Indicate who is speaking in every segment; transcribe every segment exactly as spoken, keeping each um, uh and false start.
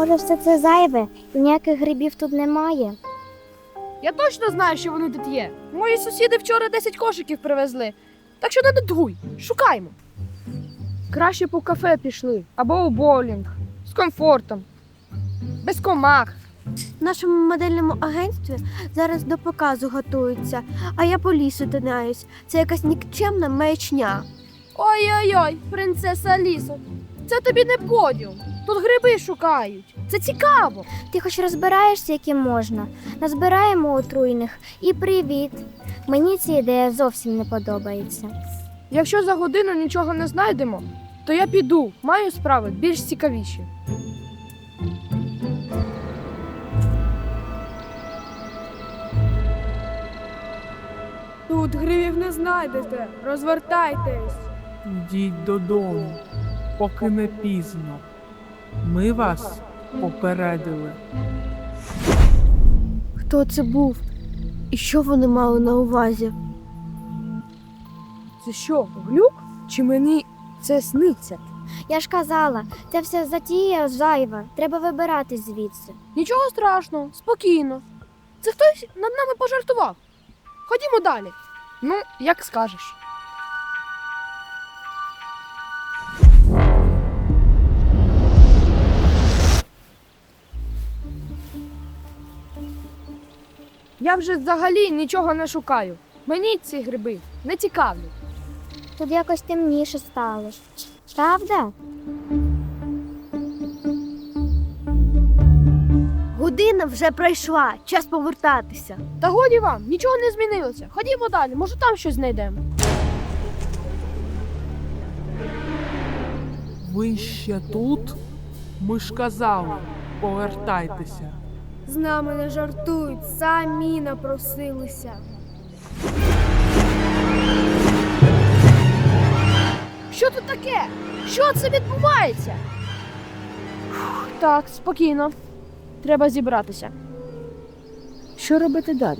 Speaker 1: Може, все це зайве і ніяких грибів тут немає?
Speaker 2: Я точно знаю, що вони тут є. Мої сусіди вчора десять кошиків привезли. Так що не додуй, шукаймо. Краще б у кафе пішли, або у боулінг. З комфортом. Без комах.
Speaker 3: В нашому модельному агентстві зараз до показу готуються, а я по лісу тинаюсь. Це якась нікчемна маячня.
Speaker 2: Ой-ой-ой, принцеса Алісо. Це тобі не подіум. Тут гриби шукають. Це цікаво.
Speaker 1: Ти хоч розбираєшся, які можна. Назбираємо отруйних і привіт. Мені ця ідея зовсім не подобається.
Speaker 2: Якщо за годину нічого не знайдемо, то я піду. Маю справи більш цікавіші.
Speaker 4: Тут гривів не знайдете. Розвертайтесь.
Speaker 5: Йдіть додому, поки не пізно. Ми вас попередили.
Speaker 3: Хто це був? І що вони мали на увазі?
Speaker 2: Це що, глюк? Чи мені це сниться?
Speaker 1: Я ж казала, це все затія зайва. Треба вибиратись звідси.
Speaker 2: Нічого страшного, спокійно. Це хтось над нами пожартував. Ходімо далі. Ну, як скажеш. Я вже взагалі нічого не шукаю. Мені ці гриби не цікавлять.
Speaker 1: Тут якось темніше стало. Правда?
Speaker 3: Година вже пройшла, час повертатися.
Speaker 2: Та годі вам, нічого не змінилося. Ходімо далі, може там щось знайдемо.
Speaker 5: Ви ще тут? Ми ж казали, повертайтеся.
Speaker 4: З нами не жартують, самі напросилися.
Speaker 2: Що тут таке? Що це відбувається? Фух, так, спокійно. Треба зібратися. Що робити далі?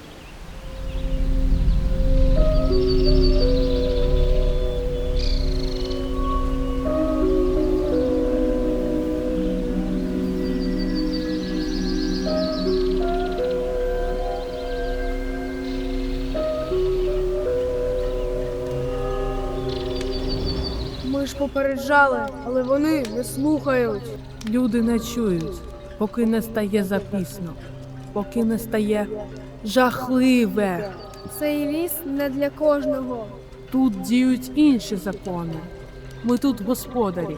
Speaker 4: Ми ж попереджали, але вони не слухають.
Speaker 5: Люди не чують, поки не стає запісно, поки не стає жахливе.
Speaker 4: Цей ліс не для кожного.
Speaker 5: Тут діють інші закони. Ми тут господарі.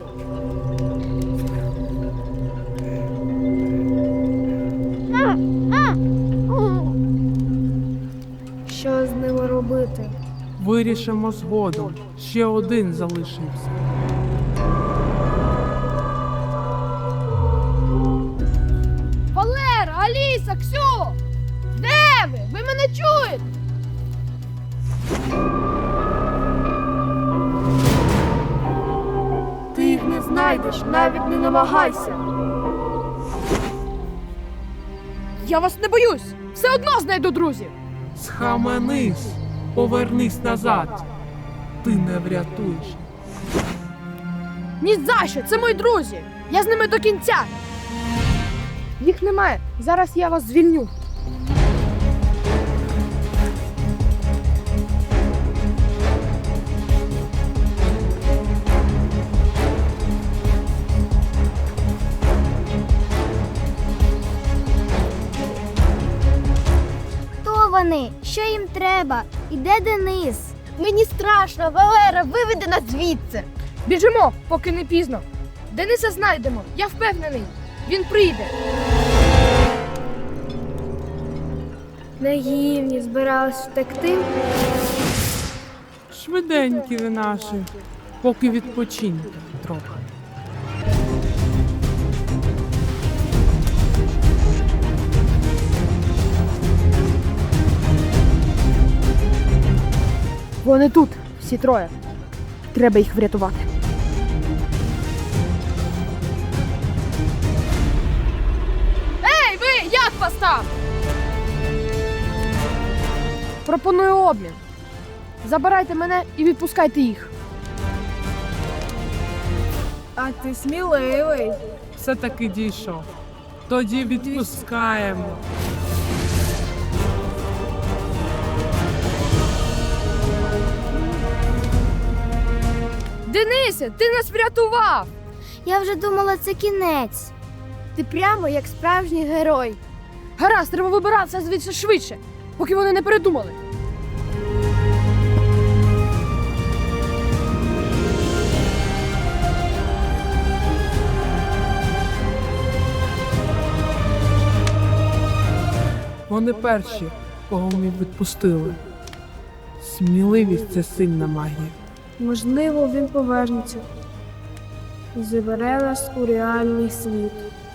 Speaker 4: Що з ними робити?
Speaker 5: Вирішимо згодом. Ще один залишився.
Speaker 2: Валера, Аліса, Ксю! Де ви? Ви мене чуєте?
Speaker 4: Ти їх не знайдеш, навіть не намагайся.
Speaker 2: Я вас не боюсь! Все одно знайду друзів!
Speaker 5: Схаменись, повернись назад. Ти не врятуєш.
Speaker 2: Ні за що! Це мої друзі! Я з ними до кінця! Їх немає. Зараз я вас звільню.
Speaker 1: Хто вони? Що їм треба? І де Денис?
Speaker 3: Мені страшно, Валера, виведи нас звідси.
Speaker 2: Біжимо, поки не пізно. Дениса знайдемо, я впевнений. Він прийде.
Speaker 4: Наївні збирались втекти.
Speaker 5: Швиденькі ви наші, поки відпочиньте трохи.
Speaker 2: Вони тут, всі троє. Треба їх врятувати. Ей, ви! Як вас там? Пропоную обмін. Забирайте мене і відпускайте їх.
Speaker 4: А ти сміливий.
Speaker 5: все-таки дійшов. Тоді відпускаємо.
Speaker 2: Денисе, ти нас врятував!
Speaker 1: Я вже думала, це кінець.
Speaker 3: Ти прямо як справжній герой.
Speaker 2: Гаразд, треба вибиратися звідси швидше, поки вони не передумали.
Speaker 5: Вони перші, кого ми відпустили. Сміливість – це сильна магія.
Speaker 4: Можливо, він повернеться і забере нас у реальний світ.